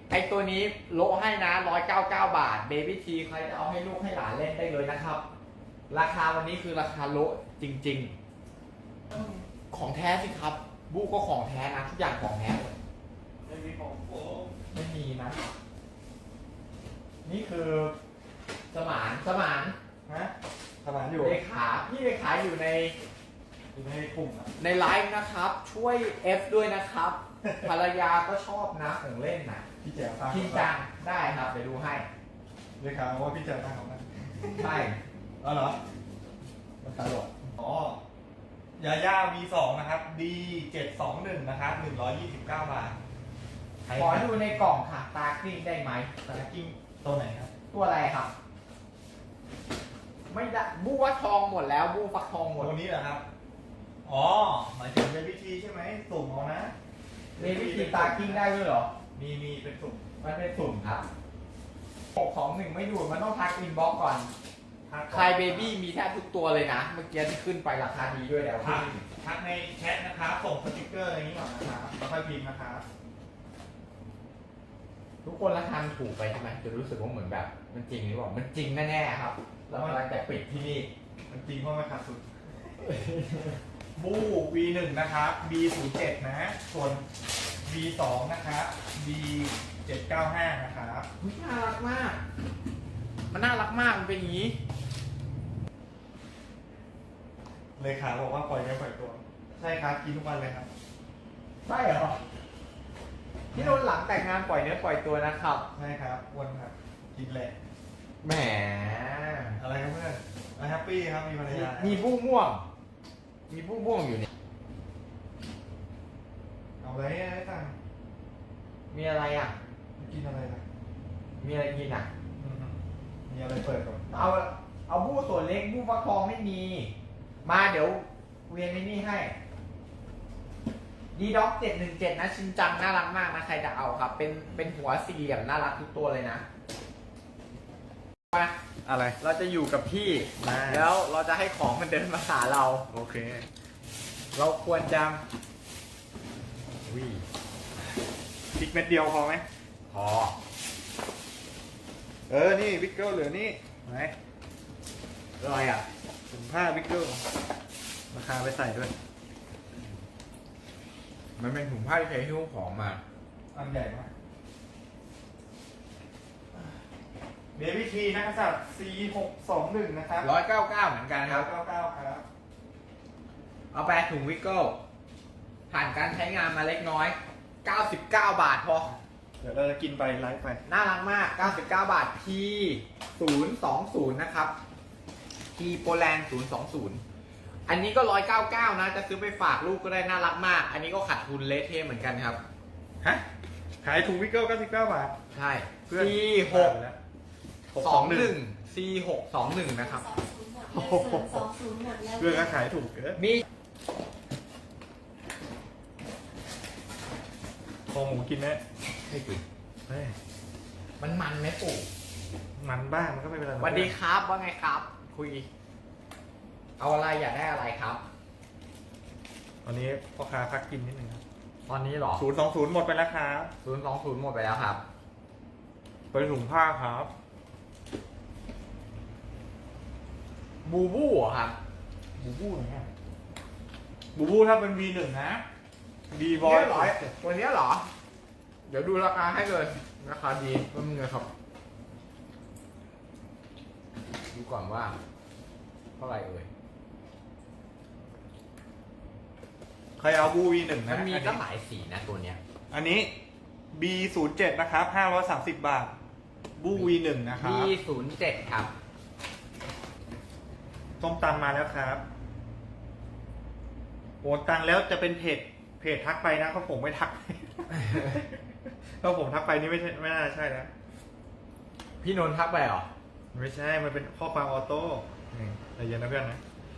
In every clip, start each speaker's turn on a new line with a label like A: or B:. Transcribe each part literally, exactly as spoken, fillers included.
A: ไอตัวนี้โลให้นะร้อยเก้าเก้าบาทเบบี้ทีใครจะเอาให้ลูกให้หลานเล่นได้เลยนะครับ ราคาวันนี้คือราคาโลจริงๆของแท้สิครับบูก็ของแท้นะทุกอย่างของแท้หมด
B: ไม่มีของผม
A: ไม่มีนะ นี่คือสมานสมาน
B: ฮะสมานอยู่
A: เลขาพี่เลขาอยู่ใน
B: อยู่ในกลุ่มอ่ะ
A: ในไลฟ์นะครับ ช่วย F ด้วยนะครับ ภรรยาก็ชอบนะของเล่นนะ
B: พี่แจ๋วตั้ง
A: จริงจังได้ครับเดี๋ยวดูให้
B: เลยครับว่าพี่แจ๋วตั้งของมัน
A: ใช่
B: อ๋อเหรอ
A: มันตลก
B: อ๋อยาย่า วี สอง นะครับ ดี เจ็ดสองหนึ่ง นะครับ หนึ่งร้อยยี่สิบเก้า บาท
A: ขอดูในกล่องค่ะตากลิ้งได้ไหม
B: สแน็คกิ้งตัวไหนครับ
A: ตัวอะไรครับ ไม่ได้บูว่าทองหมดแล้วบูฟักทองหมด
B: ตัวนี้เหรอครับ อ๋อ หมายถึงเป็นวิธีใช่ไหมสุ่มเอานะ
A: ในวิธีตากลิ้งได้ด้วยเหรอ
B: มีมีเป็นสุ่ม
A: มันเป็นสุ่มครับหกสองหนึ่งไม่ดูดมันต้องทักอินบ็อกก่อน
B: ทัก
A: คลายเบบี้มีแทบทุกตัวเลยนะ เมื่อกี้ที่ขึ้นไปราคาดีด้วยแล้ว
B: ทัก
A: พี่
B: ทักในแชทนะครับ ส่งสติกเกอร์อะไรนี้ก่อนนะครับแล้วค่อยพิมพ์นะครับ
A: ทุกคนราคามันถูกไปใช่ไหมจะรู้สึกว่าเหมือนแบบ มันจริงหรือเปล่ามันจริงแน่ๆครับเรากำลังจะปิดที่นี่
B: มันจริงเพราะมันขาดสุด บู วี หนึ่ง นะครับ บี ศูนย์ เจ็ด นะ ส่วน บี สอง นะครับ บี เจ็ดเก้าห้า นะครับ
A: อุ๊ยน่ารักมาก มันน่ารักมากมันเป็นอย่างนี้
B: เลขาบอกว่าปล่อยเนื้อปล่อยตัว ใช่ครับ กินทุกวันเลยครับ
A: ใช่เหรอพี่โดนหลังแต่งงานปล่อยเนื้อปล่อยตัวนะครับ
B: ใช่ครับอ้วนครับ กินแหละ
A: แหม
B: อะไรครับเพื่อนอะไรแฮปปี้ครับ มีภรรยา
A: มีผู้ม่วง มีผู้ม่วงอยู่เนี่ย
B: เอาอะไรให้ตังค์
A: มีอะไรอ่ะ
B: กินอะไรล่ะ
A: มีอะไรกินอ่ะ
B: อืมมีอะไรเปิดก่อน
A: เอา เอาบู้ส่วนเล็กบู้ฟักทองไม่มี มาเดี๋ยวเวียนในนี่ให้ดีด็อกเจ็ดหนึ่งเจ็ดนะชินจังน่ารักมากนะใครจะเอาครับ เป็นเป็นหัวสี่เหลี่ยมน่ารักทุกตัวเลยนะมา
B: อะไร
A: เราจะอยู่กับพี่
B: มา
A: แล้วเราจะให้ของมันเดินมาหาเรา
B: โอเค
A: เราควรจะ
B: วิ พริกเม็ดเดียวพอไหม
A: พอ
B: เออ นี่วิกเกิลเหลือนี่ไหน
A: อะไรอ่ะ
B: ถุงผ้าวิกเกิลราคาไปใส่ด้วย
A: มันเป็นถุงผ้าที่ใช้หิ้วของมา
B: อันใหญ่มากเบบี้ทีนักษัตริย์ ซี หกสองหนึ่ง นะครับ
A: ร้อยเก้าเก้าเหมือนกันครับ
B: เก้าเก้าครับ
A: เอาไปถุงวิกเกิลผ่านการใช้งานมาเล็กน้อย เก้าสิบเก้า บาทพอ
B: เดี๋ยวเราจะกินไปไลฟ์ไป
A: น่ารักมาก เก้าสิบเก้า บาท P ศูนย์สองศูนย์ นะครับ P โปแลนด์ศูนย์สองศูนย์ อันนี้ก็ร้อยเก้าเก้านะ จะซื้อไปฝากลูกก็ได้น่ารักมาก อันนี้ก็ขาดทุนเละเทะเหมือนกันครับ
B: ฮะ ขายถุงวิกเกิลเก้าสิบเก้าบาท
A: ใช่
B: เพื่อน
A: C หก
B: หก
A: ส
B: ส
A: อ
B: อง ง
A: ห
B: ห
A: นึ่
B: นึ่
A: ง
B: ง
A: C หกสองหนึ่งนะครับ
C: สองศูนย์หมดแล้ว
B: เพื่อนก็ขายถูกเกิน
A: มี
B: คอหมูกินไหม
A: ให้กิน
B: เฮ้ย
A: มันมันไหมปู่
B: มันบ้างมันก็ไม่เป็นไร
A: สวัสดีครับ ว่าไงครับ คุย เอาอะไรอยากได้อะไรครับ
B: ตอนนี้พ่อค้าพักกินนิดนึงครับ
A: ตอนนี้เหรอ
B: ศูนย์สองศูนย์หมดไปแล้วครับ
A: ศูนย์สองศูนย์หมดไปแล้วครับ
B: ไปถุงผ้าครับ
A: บูบูเหรอครับ
B: บูบูเนี่ยบูบูถ้าเป็น วี หนึ่ง นะดีบอย
A: เนี่ยเหรอตัวเนี้ยเหรอ เดี๋ยวดูราคาให้เลยราคาดีก็มึงเลยครับ ดูก่อนว่า เท่าไหร่เอ่ย
B: ใครเอาบู วี หนึ่ง
A: มั
B: นะ
A: นมี
B: อัน
A: ก็
B: นี้
A: หลายสีนะตัวเนี้ย
B: อันนี้ บี ศูนย์เจ็ด นะครับห้าร้อยสามสิบบาท บู วี หนึ่ง นะครั
A: B
B: บ
A: ศูนย์เจ็ดครับ
B: ต้มตำมาแล้วครับโอนตังแล้วจะเป็นเพจเพจทักไปนะเขาผมไม่ทัก ถ้าผมทักไปนี่ไม่ใช่ไม่น่าใช่นะ
A: พี่นนท์ทักไปเหรอ
B: ไม่ใช่ มันเป็นข้อความออโต้นี่ใจเย็นนะเพื่อนนะ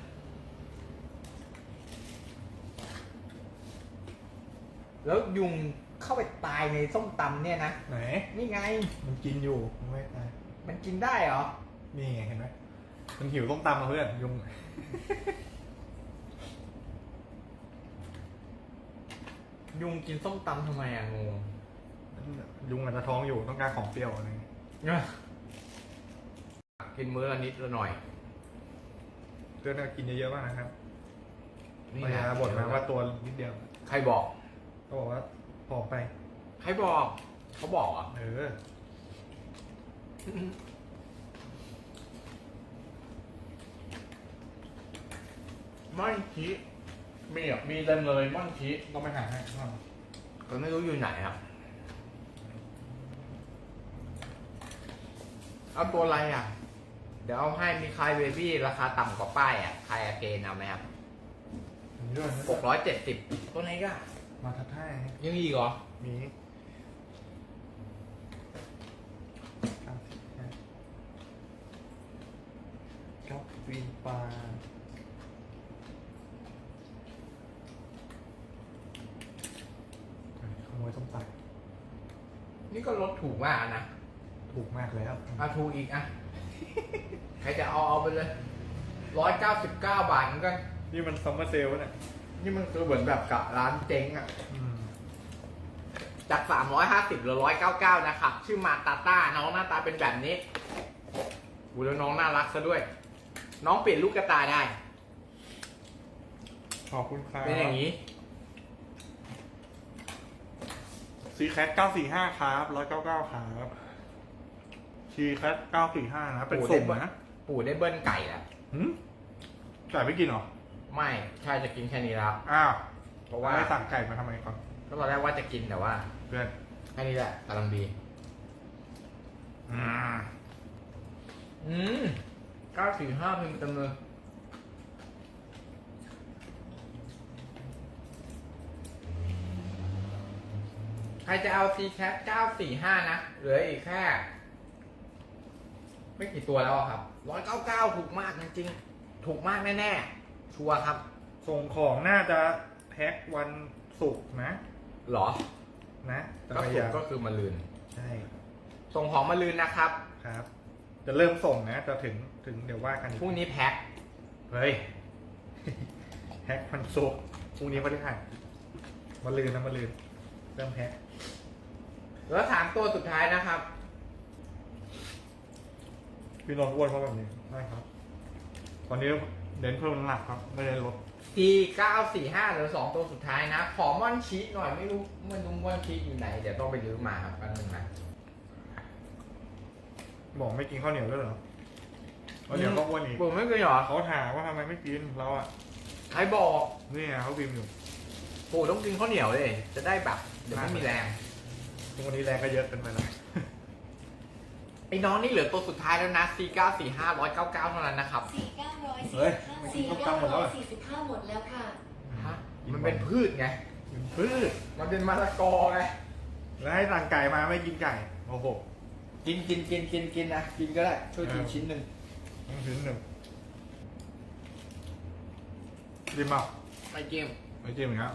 A: แล้วยุงเข้าไปตายในส้มตำเนี่ยนะ
B: ไหน
A: นี่ไง
B: มันกินอยู่มันไม่ตาย
A: มันกินได้เหรอ
B: นี่ไงเห็นไหมมันหิวต้มตำมาเพื่อนยุง
A: ยุงกินส้มตำทำไมอะงง
B: ยุงอาจจะท้องอยู่ต้องการของเปรี้ยวอะไรเงี้ย
A: กินมื้อละนิดละหน่อย
B: เพื่อนก็กินเยอะๆมากนะครับ
A: นี่
B: ภรร
A: นะ
B: ยาบ่นมาว่าตัวนิดเดียว
A: ใครบอก
B: ก็บอกว่าผอมไป
A: ใครบอก เขาบอกอ่ะ
B: เออ
A: ม่อนชีมีอ่ะมีเต็มเลยม่อนชี
B: ต้องไปหาให้ข้างนอก
A: ก็ไม่รู้อยู่ไหนครับเอาตัวอะไรอ่ะ เดี๋ยวเอาให้มีคายเบบี้ราคาต่ำกว่าป้ายอ่ะคายอาเกนเอาไหมครับ
B: มีด้วย
A: หกร้อยเจ็ดสิบตัวไหนก็
B: มาทัดท่าให้
A: ยังมีอีกเหรอ
B: มีครับปีปลาขโมยต้มตัด
A: นี่ก็ลดถูกมากนะ
B: ถูกมากแล้ว
A: เอาถูกอีกอ่ะ ใครจะเอาเอาไปเลยร้อยเก้าสิบเก้าบาทเหมือนกัน
B: นี่มันซัมเมอร์เซลล์เนี่ย
A: นี่มันคือเหมือนแบบกับร้านเจ๊งอ่ะ
B: อืม
A: จากสามร้อยห้าสิบเหลือร้อยเก้าเก้านะครับ ชื่อมาตาต้า น้องหน้าตาเป็นแบบนี้อูแล้วน้องน่ารักซะด้วย น้องเปลี่ยนลูกกระตาได้
B: ขอบคุณครับ
A: เป็นอย่างนี้
B: ซีแคทเก้าสี่ห้าครับร้อยเก้าเก้าครับซีแคทเก้าสี่ห้านะเป็นสุ่มนะ
A: ปู่ได้เบิ้ลไก่แล้ว
B: หืมไก่ไม่กินเหรอ
A: ไม่ใช่จะกินแค่นี้แล้ว
B: อ้าว
A: เพราะว่า
B: ไม่สั่งไก่มาทำไมก่อน
A: ก็ตอนแรกว่าจะกินแต่ว่า
B: เพื่อน
A: แค่นี้แหละกำลังดี
B: อืม
A: อืมเก้าสี่ห้าเพิ่มเต็มเลยใครจะเอา ซี แคท เก้าสี่ห้านะ เหลืออีกแค่ ไม่กี่ตัวแล้วอะครับร้อยเก้าเก้าถูกมากจริงๆ ถูกมากแน่ๆ ชัวร์ครับ
B: ส่งของน่าจะแพ็ควันศุกร์นะ
A: หรอ
B: นะแต่
A: ก็
B: พยา
A: ถูก
B: ยาม
A: ก็คือมาลืน
B: ใช่
A: ส่งของมาลืนนะครับ
B: ครับ จะเริ่มส่งนะจะถึงถึงเดี๋ยวว่ากันอีก
A: พรุ่งนี้แพ็ค
B: เฮ้ย แพ็ควันศุกร์พรุ่งนี้พฤหัสมาลืนนะมาลืนเริ่มแพ็ค
A: แล้วสามตัวสุดท้ายนะครับ
B: พี่นนท์อ้วนเพราะแบบนี้ได้ครับ ตอนนี้เน้นเพิ่มน้ำหนักครับ ไม่ได้ลด
A: ซี เก้าสี่ห้าเหลือสองตัวสุดท้ายนะ ขอม่อนชีสหน่อยไม่รู้ไม่รู้ม่อนชีสอยู่ไหน เดี๋ยวต้องไปรื้อมาครับแป๊บนึงนะ
B: บอกไม่กินข้าวเหนียวด้วยเหรอข้าวเหนียวก็อ้วนอีก
A: ผมไม่เคยเหรอ
B: เขาถามว่าทำไมไม่กินเราอ่ะ
A: ใครบอก
B: นี่ไงเขาพิมพ์อยู่
A: ปู่ต้องกินข้าวเหนียวเลย จะได้แบบเดี๋ยวไม่มีแรง
B: ทุกวันนี้แรงก็เยอะเกินไปแล้ว
A: ไอ้น้องนี่เหลือตัวสุดท้ายแล้วนะ ซี เก้าสี่ห้า ร้อยเก้าเก้าเท่านั้นนะครับ
C: สี่เก้าร้อย
B: เฮ้ย
C: สี่เก้าร้อยสี่สิบห้าหมดแล้วค่ะ
A: ฮะ มันเป็นพืชไง
B: เป็นพืช
A: มันเป็นมะละกอไง
B: แล้วให้สั่งไก่มาไม่กินไก่ โอ้โห
A: กินกินกินกินกินนะ กินก็ได้ ช่วยกิน
B: เออ
A: ชิ้นหนึ่ง
B: ต้องชิ้นหนึ่งจิ้มเปล่า
A: ไม่จิ้ม
B: ไม่จิ้มอีกแล้ว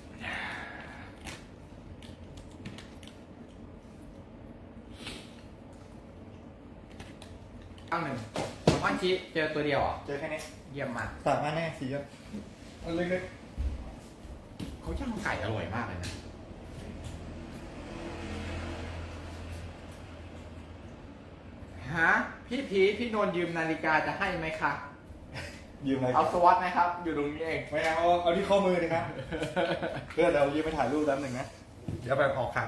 A: ตั้งหนึ่งม่อนชีสเจอตัวเดียวเหรอ
B: เจอแค่นี้
A: เยี่ยมมาก
B: สั่งมาแน่สีอ่ะอันเล็ก
A: เขาย่างไก่อร่อยมากเลยนะ ฮะ พี่พีชพี่นนท์ยืมนาฬิกาจะให้ไหมคะ
B: ๆยืมอะไร
A: เอาสวอตไหมครับ อยู่ตรงนี้เอง
B: ไม่เอาเอาที่ข้อมือเลยครับ เพื่อนเรายืมไปถ่ายรูปแป๊บหนึ่งนะ เดี๋ยวไปออกข่าว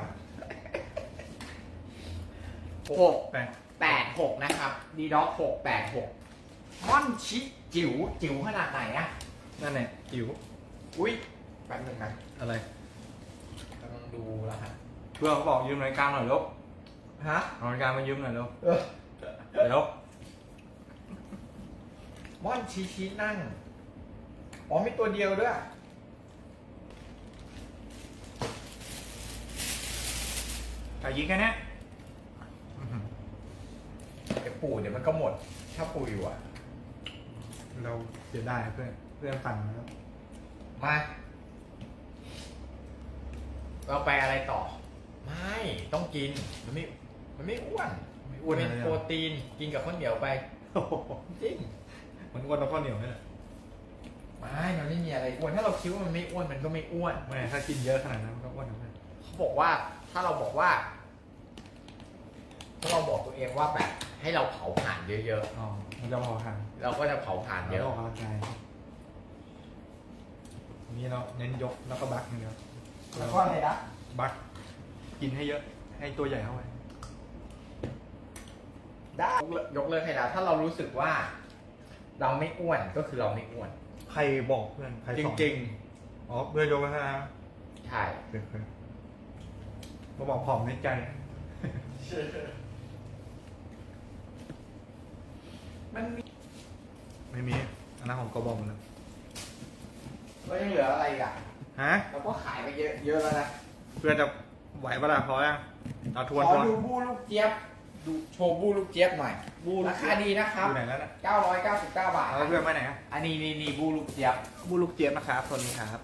A: หก
B: แปด
A: แปดหกนะครับ ดีด็อกหกแปดหกม่อนชิจิ๋วจิ๋วขนาดไหนอะ
B: นั่นแหละจิ๋ว
A: อุ้ยแป๊บนึงนะ
B: อะไร
A: กำลังดูแล้วฮะ
B: เพื่อนเขาบอกยืมนาฬิกาหน่อยลูก
A: ฮะ
B: เอานาฬิกามายืมหน่อยลูก
A: เออ
B: เดี๋ยว
A: ม่อนชีชีนั่ง อ๋อมีตัวเดียวด้วย
B: แต่ยิงแค่เนี้ยอื้อหือ
A: เดี๋ยวปู่เดี๋ยวมันก็หมด ถ้าปู่อยู่อ่ะ
B: เราเสียดายเพื่อน เพื่อนสั่งแล้ว
A: มา เราไปอะไรต่อ ไม่ ต้องกิน มันไม่ มันไม่อ้วน
B: ไม่อ้วน
A: เป็น
B: เลย
A: โปร
B: อะ
A: ตีน กินกับข้าวเหนียวไป
B: โอ้โห
A: จริง
B: มันอ้วนแล้วข้าวเหนียวไหมล่ะ
A: ไม่ มันไม่มีอะไรอ้วน ถ้าเราคิดว่ามันไม่อ้วน มันก็ไม่อ้วน
B: ไม่ถ้ากินเยอะขนาดนั้นมันก็อ้วนนะเพื่อน
A: เขาบอกว่าถ้าถ้าเราบอกว่า ถ้าเราบอกตัวเองว่าแบบให้เราเผาผ่านเยอะ
B: อ๋อมันจะพอหัน
A: ๆ เราก็จะเผาผ่านเย
B: เย
A: อะ
B: อะออกกำลังกายนี่เราเน้นยกแล้วก็บักอย่างเดียว
A: แล้วก็อะไรนะ
B: บักกินให้เยอะ ให้ตัวใหญ่เข้าไป
A: ได้ยกเลิกให้แล้วถ้าเรารู้สึกว่า เราไม่อ้วนก็คือเราไม่อ้วน
B: ใครบอกเพื่อน ใคร
A: จ
B: สอน
A: ริง
B: อ๋อ เพื่อนยกให้นะ
A: ๆ ใช่
B: เพื่อนเพื่อนมาบอกผอมในใจ
A: มันมี
B: ไม่มี อันนั้นของกบอมนะ
A: ก็ยังเหลืออะไรอีกอ่ะ
B: ฮะ
A: เราก็ขายไปเยอะเยอะแล้วนะ
B: เพื่อนจะไหวปะล่ะพอยังเอาทวน
A: ขอ
B: ทวน
A: ดูบูลูกเจี๊ยบดูโชว์บูลูกเจี๊ยบหน่อย
B: บู
A: ราคาดีนะครับ
B: อยู่ไหนแล้วน่ะ
A: เก้าร้อยเก้าสิบเก้าบาท
B: เอาเพื่อนไปไหนอะ
A: อันนี้นี่นี่บูลูกเจี๊ยบ
B: บูลูกเจี๊ยบนะครับตัวนี้ครับ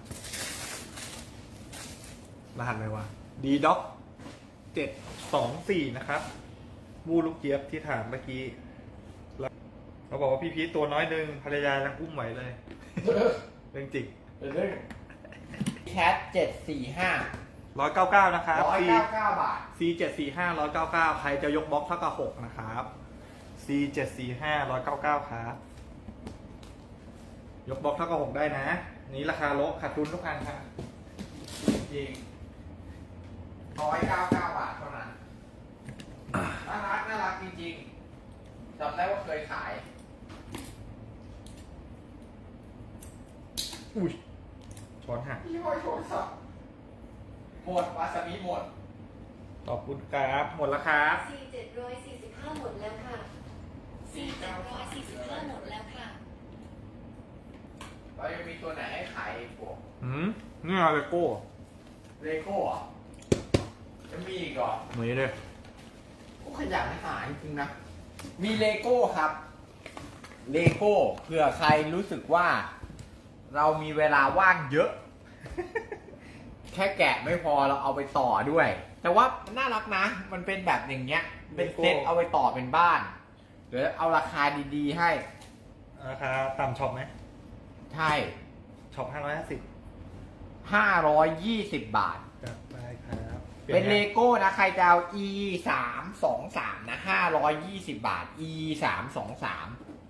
B: รหัสอะไรวะ ดีด็อกเจ็ดสองสี่นะครับ บูลูกเจี๊ยบที่ถามเมื่อกี้แล้วเราบอกว่าพี่พีทตัวน้อยหนึ่งภรรยายังอุ้มไหวเลย เรื่องจริง
A: เรื่องแคทเจ็ดสี่ห้า
B: ร้อยเก้าเก้านะครับ
A: ร้อย
B: C
A: เก้าเก้าบาท
B: C เจ็ดสี่ห้าร้อยเก้าเก้าใครจะยกบล็อกเท่ากับหกนะครับ C เจ็ดสี่ห้าร้อยเก้าเก้าครับ ยกบล็อกเท่ากับหกได้นะ นี้ราคาโลขาดทุนทุกอันครับ
A: จริงร้อยเก้าเก้าบาทเท่านั้น น่ารักน่ารักจริงๆจำได้ว่าเคยขาย
B: อุ้ยช้อนหัก
A: พี่ห้อยโทรศัพท์หมดวาซาบิหมด
B: ขอบคุณครับหมดแล้วครับ
C: ซีเจ็ดร้อยสี่สิบห้าหมดแล้วค่ะซีเจ็ดร้อยสี่สิบห้าหมดแล้วค่ะ
A: เรายังมีตัวไหนให้ขายอีกพวก
B: หืมนี่อะไรโก้
A: เลโก้เหรอจะมีอีกเหรอ
B: เหมือนเลย
A: ก็ขยันหาจริงๆนะ มีเลโก้ครับ เลโก้เผื่อใครรู้สึกว่า เรามีเวลาว่างเยอะ แค่แกะไม่พอเราเอาไปต่อด้วย แต่ว่าน่ารักนะ มันเป็นแบบอย่างเงี้ย เป็นเซ็ตเอาไปต่อเป็นบ้านเดี๋ยวเอาราคาดีๆให้
B: ราคาต่ำช็อปไหม
A: ใช่
B: ช็อปห้าร้อยห้าสิบ
A: ห้าร้อยยี่สิบบาท
B: จัดไปครับ
A: เป็นเลโก้นะ ใครจะเอา e สามสองสามนะห้าร้อยยี่สิบบาท e สามสองสาม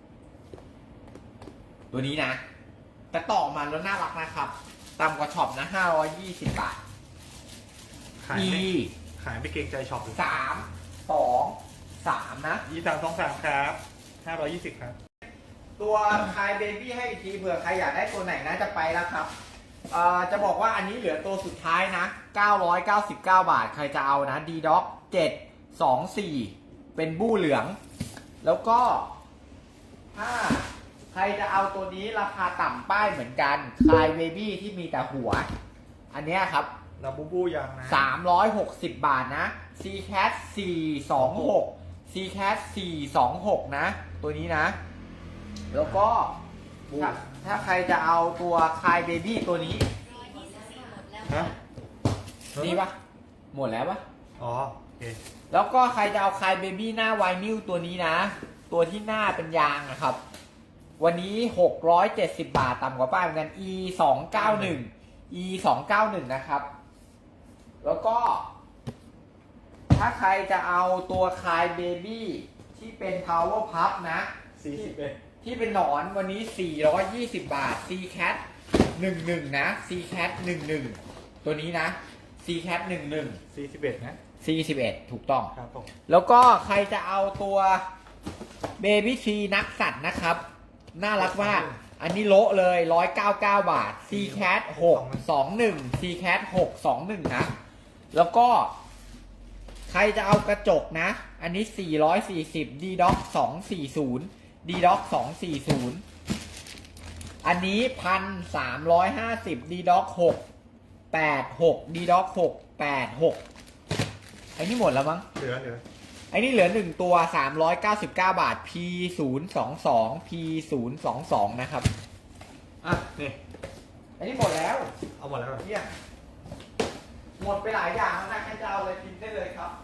A: ตัวนี้นะ แต่ต่อมาแล้วน่ารักนะครับต่ำกว่าช็อปนะห้าร้อยยี่สิบบาท
B: ขาย
A: e
B: ไม่ขายไม่เกรงใจช็อปหรือ
A: สามสองสามนะ
B: ยี่สามสองสามครับห้าร้อยยี่สิบครับ
A: ตัวคายเบบี้ให้อีกทีเผื่อใครอยากได้ตัวไหนนะจะไปแล้วครับเอ่อจะบอกว่าอันนี้เหลือตัวสุดท้ายนะเก้าร้อยเก้าสิบเก้าบาทใครจะเอานะ D Doc เจ็ดสองสี่เป็นบู้เหลือง แล้วก็ถ้าใครจะเอาตัวนี้ราคาต่ำป้ายเหมือนกันคายเบบี้ที่มีแต่หัว อันเนี้ยครับ
B: ลาบูบูยังนะ
A: สามร้อยหกสิบบาทนะ C Cat สี่สองหก C Cat สี่สองหกนะ ตัวนี้นะ แล้วก็ถ้าถ้าใครจะเอาตัวคายเบบี้ตัวนี้
C: ร้อยยี่สิบสี่หมดแล้ว
B: ฮะ
C: ค่ะ
A: นี่ปะหมดแล้วปะ
B: อ๋อโอเค
A: แล้วก็ใครจะเอาคายเบบี้หน้าไวนิลตัวนี้นะ ตัวที่หน้าเป็นยางนะครับ วันนี้หกร้อยเจ็ดสิบบาทต่ำกว่าป้ายเหมือนกัน E สองเก้าหนึ่ง E สองเก้าหนึ่งนะครับ แล้วก็ ถ้าใครจะเอาตัวคายเบบี้ที่เป็น power pup นะ
B: สี่สิบเอ็ด
A: ที่เป็นหนอนวันนี้ สี่ร้อยยี่สิบบาท C Cat หนึ่งหนึ่งนะ C Cat หนึ่งหนึ่งตัวนี้นะ C Cat หนึ่งหนึ่ง
B: สี่สิบเอ็ดนะ
A: C สิบเอ็ดถูกต้อง
B: ครับผม
A: แล้วก็ใครจะเอาตัวเบบี้ทีนักสัตว์นะครับ น่ารักมาก อันนี้โละเลย หนึ่งร้อยเก้าสิบเก้า บาท C Cat หกสองหนึ่ง C Cat หกสองหนึ่งนะ แล้วก็ ใครจะเอากระจกนะ อันนี้ สี่ร้อยสี่สิบ D Doc สองสี่ศูนย์ D Doc สองสี่ศูนย์ อันนี้ หนึ่งพันสามร้อยห้าสิบ D Doc หกแปดหก D Doc หกแปดหกไอ้นี่หมดแล้วมั้ง
B: เหลือเหลือ
A: ไอ้นี่เหลือหนึ่งตัว สามร้อยเก้าสิบเก้า บาท P ศูนย์สองสอง P ศูนย์สองสองนะครับ
B: อ่ะนี่
A: ไอ้นี่หมดแล้ว
B: เอาหมดแล้วเหรอ
A: เนี่ยหมดไปหลายอย่างแล้วนะใครจะเอาอะไรกินได้เลยครับ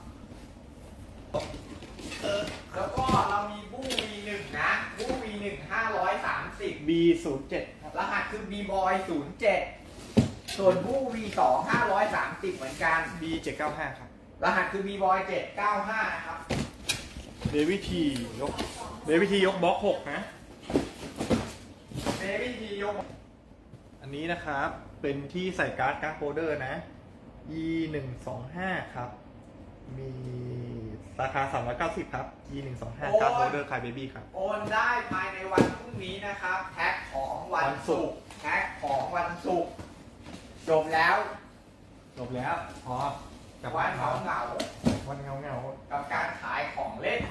A: แล้วก็เรามีบู้ วี หนึ่ง นะ บู้ วี หนึ่ง ห้าร้อยสามสิบ
B: B ศูนย์เจ็ดครับ
A: รหัสคือ B Boy ศูนย์เจ็ด ส่วนบู้ วี สอง ห้าร้อยสามสิบเหมือนกัน
B: B เจ็ดเก้าห้าครับ
A: รหัสคือ บี บอย เจ็ดเก้าห้านะครับ
B: เบบี้ทียกเบบี้ทียกบล็อกหกนะ
A: เบบี้ทียก
B: อันนี้นะครับเป็นที่ใส่การ์ดการ์ดโฮลเดอร์นะ อี หนึ่งสองห้าครับ มีราคาสามร้อยเก้าสิบครับ อี หนึ่งสองห้าการ์ดโฮลเดอร์คายเบบี้ครับ
A: โอนได้ภายในวันพรุ่งนี้นะครับ แพ็คของวันศุกร์แพ็คของวันศุกร์จบแล้ว
B: จบแล้วพอ
A: กับวันเหงาเหงา
B: วันเงาเงา
A: ๆกับการขายของเล่น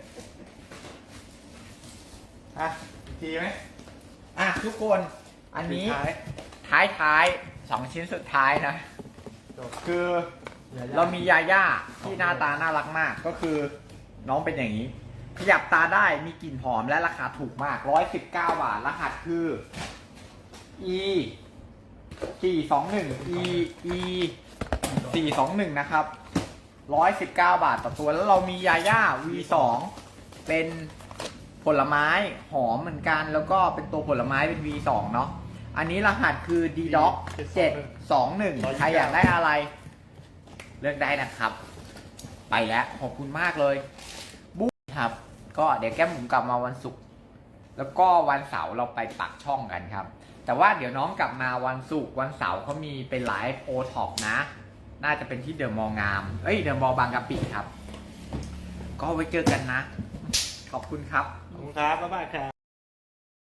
B: ๆอ่ะอีกทีไหม
A: อ่ะทุกคนอันนี้
B: สุดท้าย
A: ท้ายท้ายๆสองชิ้นสุดท้ายนะ
B: จบ
A: คือ
B: อย่ๆ
A: เรามียาย่าที่หน้าตาน่ารักมากก็คือน้องเป็นอย่างนี้ ขยับตาได้มีกลิ่นหอมและราคาถูกมากหนึ่งร้อยสิบเก้าบาทรหัสคือ e สี่สองหนึ่ง e e สี่สองหนึ่งนะครับหนึ่งร้อยสิบเก้าบาทต่อตัวแล้วเรามียาย่า วี สอง เป็นผลไม้หอมเหมือนกันแล้วก็เป็นตัวผลไม้เป็น วี สอง เนาะอันนี้รหัสคือ ดี ด็อก เจ็ดสองหนึ่ง ใครอยากได้อะไร เลือกได้นะครับ ไปแล้วขอบคุณมากเลยบุ๊คครับ ก็เดี๋ยวแก้มหมูกลับมาวันศุกร์แล้วก็วันเสาร์เราไปปักช่องกันครับ แต่ว่าเดี๋ยวน้องกลับมาวันศุกร์วันเสาร์เขามีเป็นไลฟ์โอท็อปนะ น่าจะเป็นที่เดอะมอลล์งาม เอ้ยเดอะมอลล์บางกะปิครับ ก็ไว้เจอกันนะ ขอบคุณครับ
B: ขอบคุณครับบ๊ายบายครับ